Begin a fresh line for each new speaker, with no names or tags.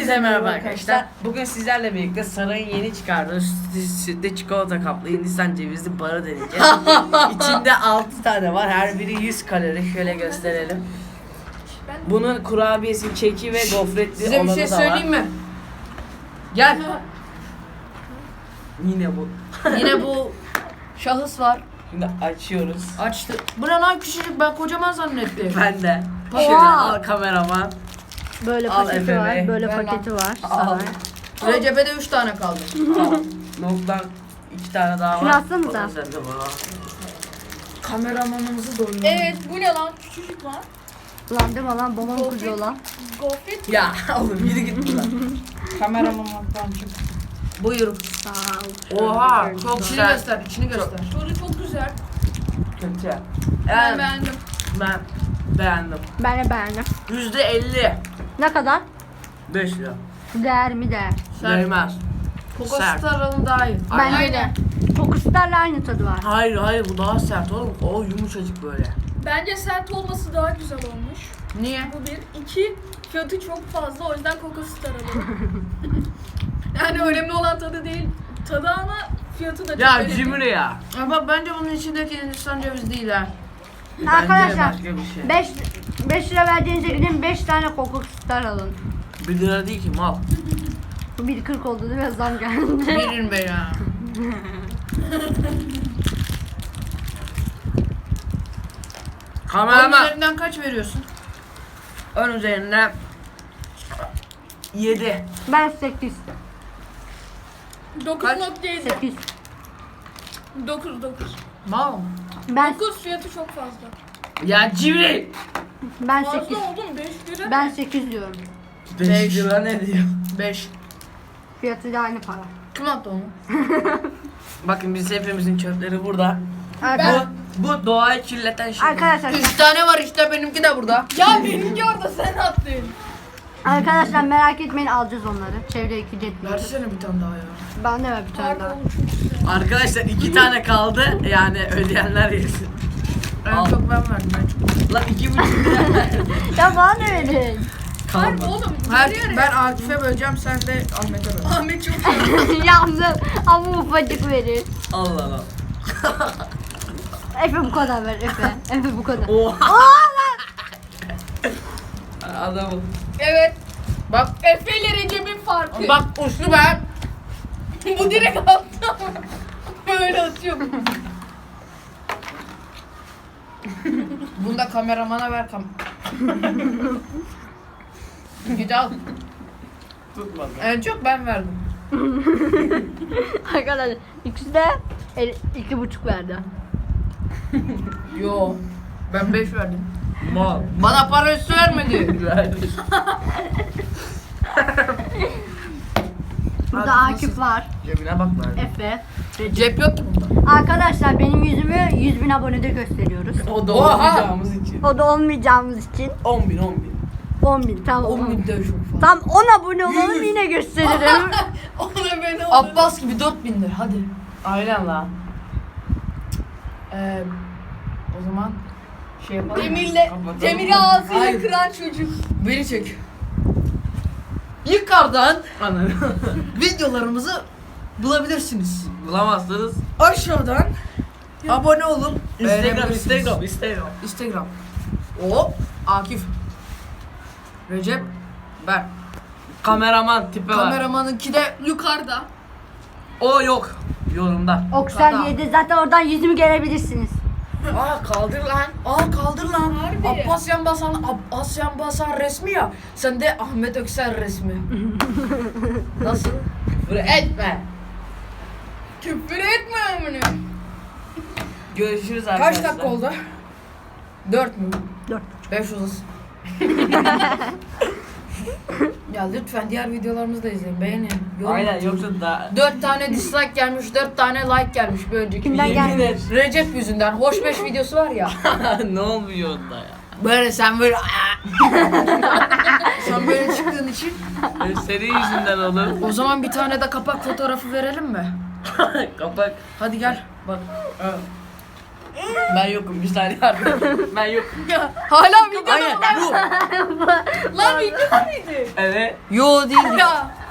Hepinize merhaba arkadaşlar. Bugün sizlerle birlikte sarayın yeni çıkardığı sütlü çikolata kaplı Hindistan cevizli barı deneyeceğiz. İçinde 6 tane var. Her biri 100 kalori. Şöyle gösterelim. Bunun kurabiyesi, keki ve gofretli
Size bir
olanı
şey
da
söyleyeyim
var.
mi? Gel.
Yine bu.
Yine bu şahıs var.
Şimdi açıyoruz.
Açtı. Bu ne lan küçücük, ben kocaman zannettim.
Ben de.
Oha.
Şöyle al kameraman.
Böyle
Al
paketi
Efe
var,
Bey.
böyle
Ver lan.
paketi var.
Al.
Sana.
Recep'e de 3 tane kaldı.
Al. Noktan 2 tane daha var.
Şunu atsanıza.
O da sende var.
Kameramanımızı doyurun.
Evet, bu ne lan? Küçücük lan.
Ulan deme lan babam kuruyor lan.
Gofret.
Ya oğlum yürü git buradan.
Kameramandan çık. Buyur.
Sağ ol.
Oha çok
İçini
güzel.
göster, içini göster.
Böyle çok güzel.
Kötü.
Ben
Evet,
beğendim.
ben beğendim.
Ben de beğendim.
%50.
Ne kadar?
5 lira.
Değer mi değer?
Değmez.
Coco
Sert.
Star'ın daha iyi.
Bence
Aynen.
de. Kokuslarla aynı tadı var.
Hayır bu daha sert oğlum. O yumuşacık böyle.
Bence sert olması daha güzel olmuş.
Niye?
Bu bir. İki, fiyatı çok fazla. O yüzden Coco Star alalım. Yani önemli olan tadı değil. Tadı ama fiyatı da çok
Ya
önemli.
cimri ya.
Ama bence bunun içindeki Hindistan cevizi değil ha.
Bence
Arkadaşlar
başka bir şey.
5 lira verdiğinize gidin 5 tane kokuslar alın.
1 lira değil ki mal.
Bu 1.40 oldu değil mi? Zam geldi.
Verin be ya. Onun
Kameraman.
üzerinden kaç veriyorsun?
Ön üzerinde 7.
Ben 8.
9.7.
8.
9.
Mal mı?
Ben
9 fiyatı çok fazla.
Ya cimri.
ben
Fazla
8.
oldu mu? 5 lira.
Ben 8 diyorum.
5 lira ne diyor?
5.
Fiyatı da aynı para.
Kim attı onu?
Bakın biz hepimizin çöpleri burada.
Arkadaşlar,
Bu doğayı kirleten şey.
arkadaşlar,
3 tane var işte, benimki de burada.
Ya benimki orada, sen attın.
arkadaşlar merak etmeyin, alacağız onları. Çevre ekici etmiyoruz.
Versene bir tane daha ya.
Ben de ver bir tane daha.
Pardon, çok güzel.
Arkadaşlar 2 tane kaldı. Yani ödeyenler yesin.
En
Al.
çok ben verdim, en çok.
Lan 2,5 lira verdim.
Ya bana ne verin?
Harbi
Kalmadı.
oğlum.
Her,
yarı yarıya.
ben Akif'e böleceğim, sen de Ahmet'e böl.
Ahmet çok iyi.
Yandım ama ufacık verir.
Allah Allah.
Efe bu kadar ver Efe. Efe bu kadar.
Oha. Adamım.
Evet.
Bak,
Efe ile Recep'in farkı.
bak uçlu ben.
Bu direkt attı. Böyle atıyor.
Bunu da kameramana ver Git al.
Tutmadı.
En çok ben verdim.
Arkadaşlar ikisi de 2,5 verdi.
Yo. Ben 5 verdim.
Mal.
Bana para üstü vermedi.
Verdi.
Burada Akif var.
Cebine bak verdi.
Efe.
Cep yok ki bunda.
Arkadaşlar benim yüzümü 100.000 abonede gösteriyoruz.
O da
Oha.
olmayacağımız için.
O da olmayacağımız için
10.000.
10.000 tam
10.000 de çok fazla.
Tam 10 abone olalım yine gösteririm.
Ona beni
Abbas gibi 4.000'dir hadi.
Aynen lan.
O zaman şey yapalım.
Kapatalım.
Demir'i ağzıyla
Hayır.
kıran çocuk.
Beni çek. Yukarıdan
Anladım.
videolarımızı bulabilirsiniz.
Bulamazsınız.
Aşağıdan abone olun.
Instagram.
Instagram. O Akif. Recep. Ben.
Kameraman tipi var.
Kameramanınki de
Yukarıda.
O yok. Yorumda.
Oksel 7 zaten oradan yüzümü görebilirsiniz.
Aa kaldır lan.
kaldır lan.
Harbi.
Abbas Yan Basan resmi ya. Sen de Ahmet Öksel resmi. Nasıl?
Küfür etme.
Küfür etme amına.
Görüşürüz arkadaşlar.
Kaç dakika oldu? 4 mü?
4.
5 uzasın. Ya lütfen diğer videolarımızı da izleyin. Beğenin. yorum
Aynen
atın.
yoksa da
4 tane dislike gelmiş, 4 tane like gelmiş bir önceki
Kimden
videoya.
gelmiş?
et.
Recep yüzünden. Hoş 5 videosu var ya.
Ne olmuyor onda ya?
Böyle sen böyle sen böyle çıktığın için.
Senin yüzünden olur.
O zaman bir tane de kapak fotoğrafı verelim mi?
Kapak.
Hadi gel. Bak.
Ben yokum bir saniye yardım. Ben yokum.
Ya hala videoda
Hayır bu.
lan videoda mıydı?
Evet.
Yo değil.
Ya